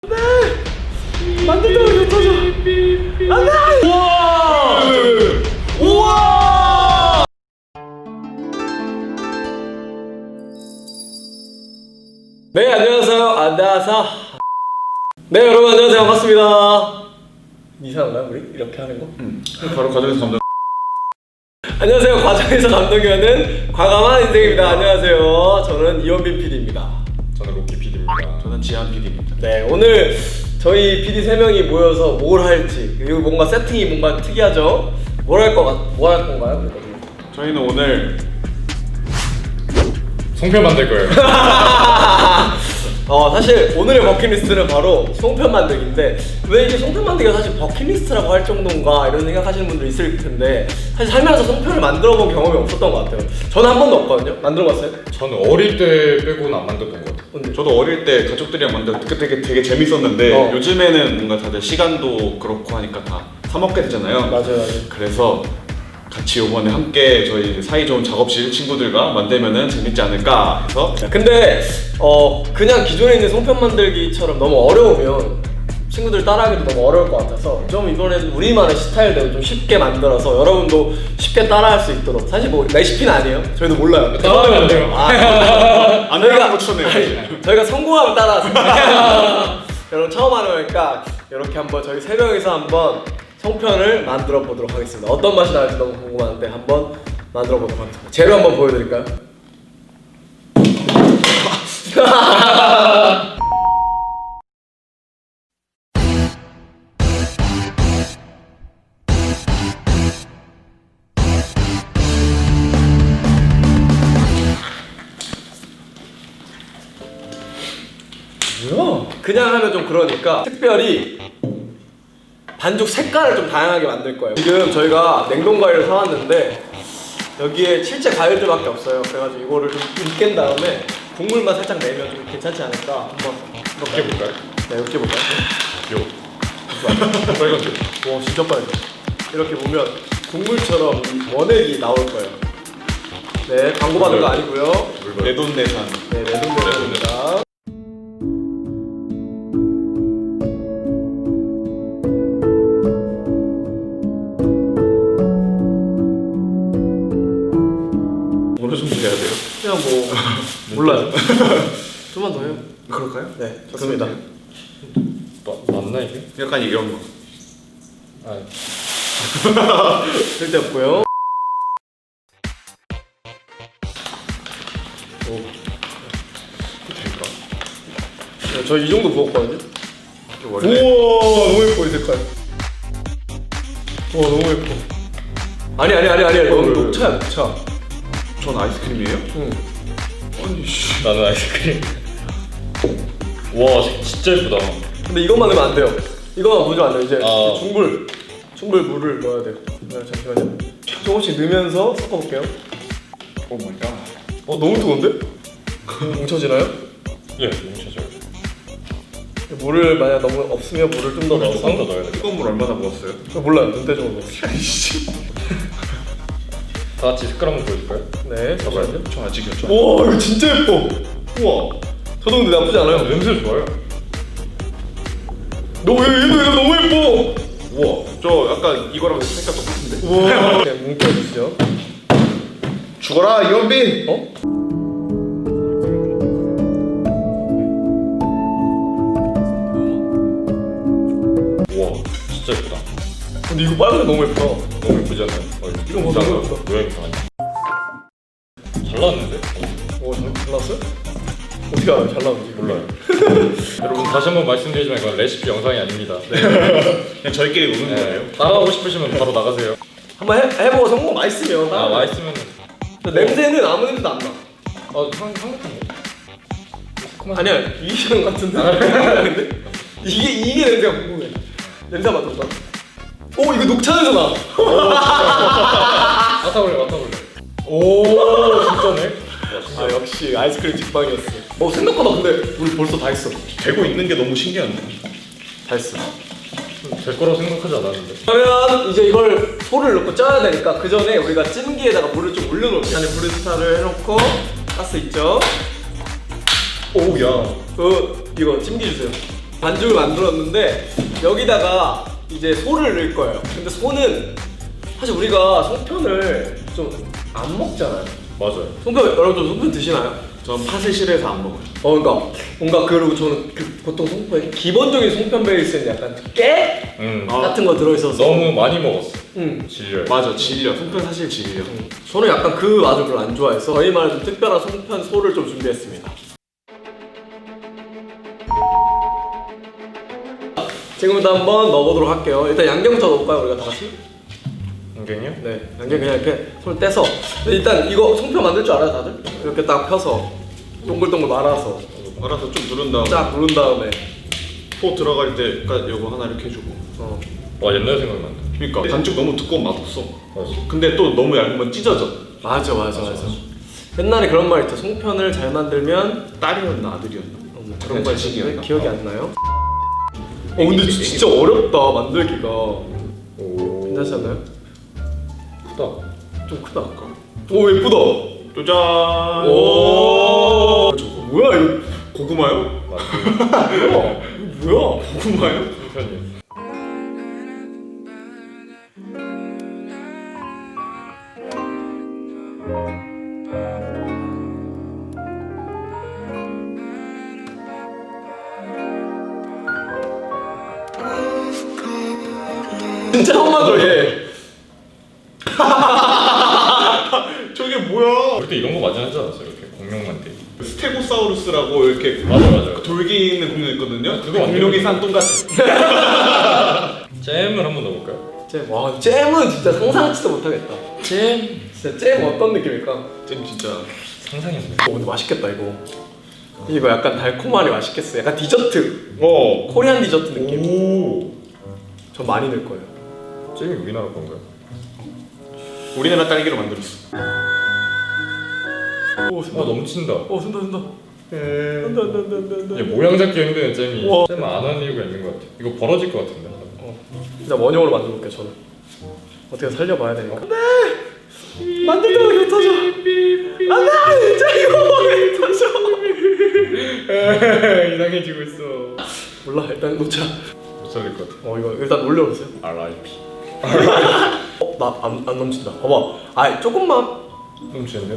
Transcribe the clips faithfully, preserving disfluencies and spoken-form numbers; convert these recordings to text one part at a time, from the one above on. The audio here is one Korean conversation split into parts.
안돼! 만들다가 이거 터져. 안돼! 우와! 우와! 네, 안녕하세요. 안녕하세요. 네, 여러분 안녕하세요. 반갑습니다. 이상한가요, 우리? 이렇게 하는 거? 응. 바로 과정에서 감독. 안녕하세요. 과정에서 감독이하는 과감한 인생입니다. 안녕하세요. 저는 이원빈 피디입니다. 저는 로키 피디입니다. 저는 지한 피디입니다. 네, 오늘 저희 피디 세 명이 모여서 뭘 할지, 그리고 뭔가 세팅이 뭔가 특이하죠? 뭘 할 거 같, 뭘 할 건가요? 저희는 오늘 송편 만들 거예요. 어, 사실 오늘의 버킷리스트는 바로 송편 만들기인데, 왜 이게 송편 만들기가 사실 버킷리스트라고 할 정도인가 이런 생각하시는 분도 있을 텐데, 사실 살면서 송편을 만들어 본 경험이 없었던 것 같아요. 저는 한 번도 없거든요. 만들어 봤어요? 저는 어릴 때 빼고는 안 만들었던 것 같아요. 근데 저도 어릴 때 가족들이랑 만들 때 되게 되게 재밌었는데 어. 요즘에는 뭔가 다들 시간도 그렇고 하니까 다 사 먹게 되잖아요. 맞아요, 맞아요. 그래서 같이 이번에 함께 저희 사이좋은 작업실 친구들과 만들면은 재밌지 않을까 해서. 근데 어 그냥 기존에 있는 송편 만들기처럼 너무 어려우면 친구들 따라하기도 너무 어려울 것 같아서 좀 이번에는 우리만의 스타일대로 좀 쉽게 만들어서 여러분도 쉽게 따라할 수 있도록, 사실 뭐 레시피는 아니에요. 저희도 몰라요. 따라하면 안 돼요. 아, 안 해가는 거 추천해요. 아니, 저희가 성공하면 따라하세요. 여러분 처음 하는 거니까 이렇게 한번 저희 세 명이서 한번 송편을 만들어 보도록 하겠습니다. 어떤 맛이 나올지 너무 궁금한데 한번 만들어 보도록 하겠습니다. 재료 한번 보여드릴까요? 뭐야? 그냥 하면 좀 그러니까 특별히 반죽 색깔을 좀 다양하게 만들 거예요. 지금 저희가 냉동 과일을 사왔는데 여기에 실제 과일들밖에 없어요. 그래가지고 이거를 좀 으깬 다음에 국물만 살짝 내면 좀 괜찮지 않을까 한번 이렇게 볼까요? 네, 이렇게 볼까요? 요. 빨간색. 와, 진짜 빨개. 이렇게 보면 국물처럼 원액이 나올 거예요. 네, 광고 받은 거 아니고요. 내돈내산. 네, 내동대입니다. 어느 정도 해야 돼요? 그냥 뭐 몰라요. 좀만 더 해요. 그럴까요? 네, 좋습니다. 마, 맞나 이게? 약간 이런 거. 아, 쓸데없고요. 될까? 네, 저 이 정도 부었거든요. 원래 우와, 너무 예뻐 이 색깔. 와, 너무 예뻐. 아니 아니 아니 아니, 너무 녹차야, 녹차. 전 아이스크림이에요? 응. 아니 씨. 나는 아이스크림. 와, 진짜 예쁘다. 근데 이것만 넣으면 안 돼요. 이거만 보죠 안 돼요. 이제 아. 중불, 중불 물을 넣어야 돼요. 네, 잠시만요. 조금씩 넣으면서 섞어볼게요. 오 마이 갓. 어, 너무 뜨거운데? 뭉쳐지나요? 예, 너무 찾아요. 물을 만약 너무 없으면 물을 좀 더 넣어서. 조금 더 넣어야 돼. 뜨거운 물 얼마나 부었어요? 저 몰라요. 눈대중으로 넣었어요. 다 같이 색깔 한번 보여줄까요? 네, 잠시만요. 저 아직이요. 와, 이거 진짜 예뻐. 우와. 저도 근데 나쁘지 않아요. 냄새 좋아요. 너무 얘도 얘도 너무 예뻐. 우와. 저 약간 이거랑 색깔 똑같은데. 우와. 네, 뭉쳐주시죠. 죽어라 이원빈. 어? 우와, 진짜 예쁘다. 근데 이거 빨간색 너무 예쁘다. 너무 예쁘지 않아요? 어, 이건 뭐 너무 예쁘다. 모양이 이상하네. 잘 나왔는데? 오, 잘, 잘 나왔어요? 어떻게 알아요? 잘 나온지. 몰라요. 여러분 다시 한번 말씀드리지만 이건 레시피 영상이 아닙니다. 그냥 저희끼리 노는 네, 거예요. 따라하고 싶으시면 바로 나가세요. 한번 해, 해보고 성공 맛있으면. 아, 맛있으면 근데 냄새는 아무 냄새도 안 나. 어, 향, 향긋한데? 아니야, 이게 같은데? 근데? 이게, 이게 냄새가 궁금해. 냄새 맡아봐. 오, 이거 녹차 냄새 나. 맡아볼래, 맡아볼래. 오, 진짜네? 아, 역시 아이스크림 직방이었어. 어, 생각보다 근데 우리 벌써 다 했어. 되고 있는 게 너무 신기한데. 다 했어. 될 거라고 생각하지 않았는데. 그러면 이제 이걸 소를 넣고 쪄야 되니까 그 전에 우리가 찜기에다가 물을 좀 올려놓을게요. 안에 브루스타를 해놓고 가스 있죠? 오야. 그 이거 찜기 주세요. 반죽을 만들었는데 여기다가 이제 소를 넣을 거예요. 근데 소는 사실 우리가 송편을 좀 안 먹잖아요. 맞아요. 송편 여러분들 송편 드시나요? 전 팥을 싫어해서 안 먹어요. 어, 그러니까 뭔가 그리고 저는 그 보통 송편 기본적인 송편 베이스는 약간 깨 음. 아, 같은 거 들어있어서 너무 많이 먹었어. 음. 질려요. 맞아, 질려. 송편 사실 질려. 저는 약간 그 맛을 별로 안 좋아해서 저희만의 좀 특별한 송편 소를 좀 준비했습니다. 지금부터 한번 넣어보도록 할게요. 일단 양념부터 넣을까요, 우리가 다 같이? 안경이요? 네, 양념 그냥 이렇게 손을 떼서 일단 이거 송편 만들 줄 알아요, 다들? 이렇게 딱 펴서 동글동글 말아서 알아서 좀 누른 다음에 쫙 누른 다음에 포 들어갈 때까지 요거 하나 이렇게 해주고. 어. 와 옛날 생각난다. 그러니까 반죽 너무 두꺼운 맛없어. 맞아. 근데 또 너무 얇으면 찢어져. 맞아, 맞아, 맞아. 옛날에 그런 말 있죠. 송편을 잘 만들면 딸이었나 아들이었나? 어, 뭐 그런 거 있었는데 자식이었나? 기억이 안 나요? 어, 근데 진짜 어렵다 만들기가. 오. 괜찮지 않나요? 크다. 좀 크다. 오, 예쁘다. 짜잔. 오. 저거 뭐야 이거? 고구마요? 맞아. 이거 뭐야? 고구마요? 편이. 진짜 엄마죠 얘. 저게 뭐야? 그때 이런 거 많이 하지 않았어요? 이렇게 공룡 만들기. 스테고사우루스라고 이렇게 맞아 맞아. 돌기 있는 공룡 있거든요. 그거 공룡이 산 똥같아. 잼을 한번 넣어볼까요? 잼. 와, 잼은 진짜 상상치도 못하겠다. 잼. 진짜 잼 어떤 느낌일까? 잼 진짜. 상상이 안 돼. 어, 근데 맛있겠다 이거. 이거 약간 달콤하니 맛있겠어. 약간 디저트. 어. 코리안 디저트 느낌. 오. 저 많이 넣을 거예요. 잼이 우리나라 건가요? 우리나라 딸기로 만들었어. 오, 아 쓴다. 넘친다. 오, 쓴다, 쓴다. 에... 안돼, 안돼, 안돼, 안돼, 안돼. 이게 모양 잡기 힘든 잼이 우와. 잼 안 하는 이유가 있는 것 같아. 이거 벌어질 것 같은데. 어. 일단 원형으로 만들어볼게요 저는. 어떻게 살려봐야 되니까. 안돼. 만들 때마다 개 터져. 안돼, 진짜 이거 개 터져. 이상해지고 있어. 몰라, 일단 놓자. 못 살릴 것 같아. 어, 이거 일단 올려보세요. 알아이피. 어, 나안 안 넘친다. 봐봐. 아, 조금만. 넘치는데?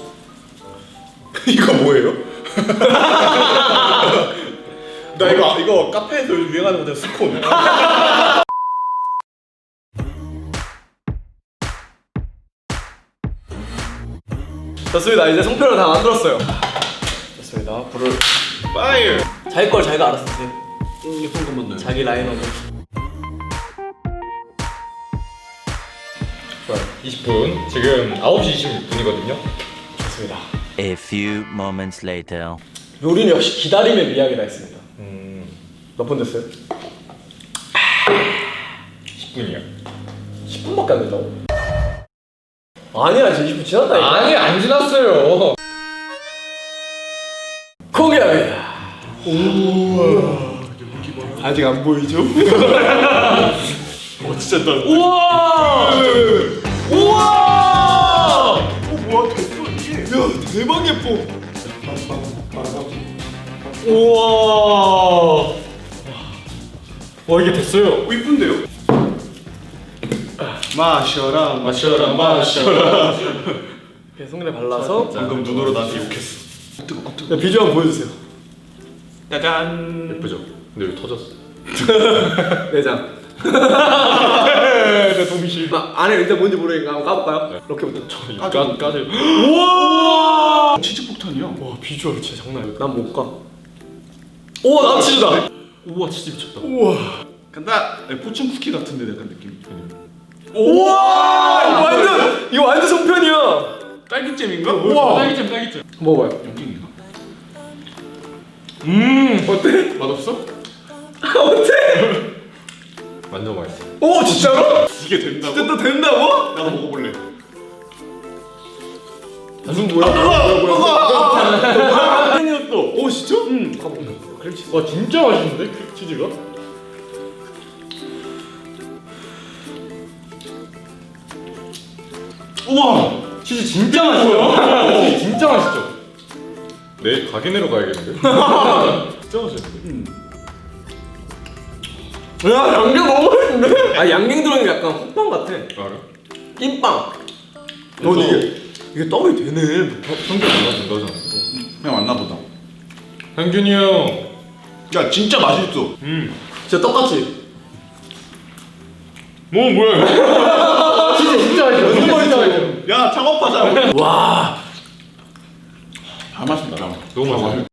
이거 뭐예요? 나 이거 이거 카페에서 유행하는 거잖아 스콘. 좋습니다. 이제 송편을 다 만들었어요. 좋습니다. 불을 파이어. 자기 걸 자기가 알아서 드세요. 음, 예쁜 것만 넣어요. 자기 라인업을. 좋아요. 이십 분. 지금 아홉 시 이십육 분이거든요. 좋습니다. A few moments later. 요리는 역시 기다림의 미학이라 했습니다. 음. 몇 분 됐어요? 십 분이요. 십 분밖에 안 된다고? 아니야, 지금 이십 분 지났다니까. 아니 안 지났어요. 공개합니다. 우와. 아직 안 보이죠? 어 진짜 나. 우와! 우와! 어 뭐야 됐어 이게. 야, 대박 예뻐. 우와. 와 이게 됐어요. 어 이쁜데요? 마셔라 마셔라 마셔라. 이렇게 손에 발라서 방금 눈으로 나한테 욕했어. 뜨거 뜨거. 야, 비주얼 한번 보여주세요. 짜잔. 예쁘죠? 근데 왜 터졌어? 내장. 내 동실. 나 안에 일단 뭔지 모르니까 한번 까볼까요? 이렇게부터. 까 까지. 우와! 치즈 폭탄이야. 와, 비주얼 진짜 장난 아니야. 난 못 가. 우와, 나 치즈다. 우와 진짜 미쳤다. 우와. 간다. 아니, 포춘 쿠키 같은데 약간 느낌. 우와! 이거 완전 이거 완전 송편이야. 딸기잼인가? 우와. 딸기잼 딸기잼. 먹어봐요. 연기인가? 음, 어때? 맛없어? 어때? 완전 맛있어. 오, 진짜로? 이게 된다고? 진짜 또 된다고? 나도 먹어볼래. 무슨 뭐야? 뭐야 뭐야? 팬이었어. 오, 진짜? 응. 가봐. 그래 치즈. 와 진짜 맛있는데 그 치즈가? 우와. 치즈 진짜 맛있어요. 치즈 진짜 맛있죠. 내일 가게 내러 가야겠는데? 진짜 맛있는데. 야 양갱 너무 맛있는데? 아 양갱 들어있는 게 약간 호빵 같아. 알아? 찐빵. 너 이게 이게 떡이 되네. 성격 안 맞은 거잖아. 그냥 왔나 보다. 상균이 형. 야 진짜 맛있어. 음. 진짜 떡같이. 뭐 뭐야? 진짜 진짜 맛있어. 진짜 진짜 맛있어. 야 창업하자. 와. 다 맛있다. 너무 맛있어.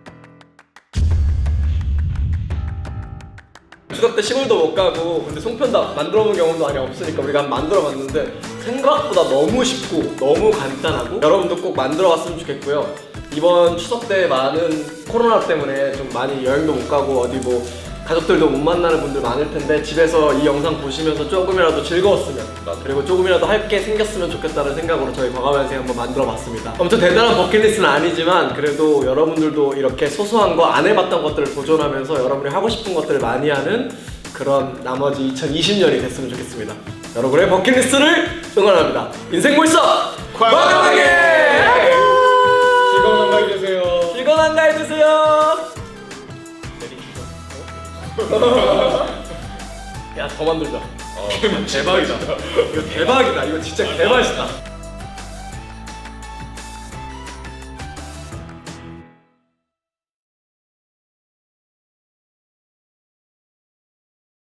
추석 때 시골도 못 가고 근데 송편도 만들어 본 경험도 많이 없으니까 우리가 한번 만들어 봤는데 생각보다 너무 쉽고 너무 간단하고 여러분도 꼭 만들어 봤으면 좋겠고요. 이번 추석 때 많은 코로나 때문에 좀 많이 여행도 못 가고 어디 뭐 가족들도 못 만나는 분들 많을 텐데 집에서 이 영상 보시면서 조금이라도 즐거웠으면 그리고 조금이라도 할 게 생겼으면 좋겠다는 생각으로 저희 과감한생 한번 만들어 봤습니다. 엄청 대단한 버킷리스트는 아니지만 그래도 여러분들도 이렇게 소소한 거 안 해봤던 것들을 도전하면서 여러분이 하고 싶은 것들을 많이 하는 그런 나머지 이천이십 년이 됐으면 좋겠습니다. 여러분의 버킷리스트를 응원합니다. 인생 몰석 과감하게! 즐거운 한가위 되세요. 즐거운 한가위 되세요. 야 더 만들자. 어, 대박이다. 이거 대박이다. 이거 진짜 개맛있다.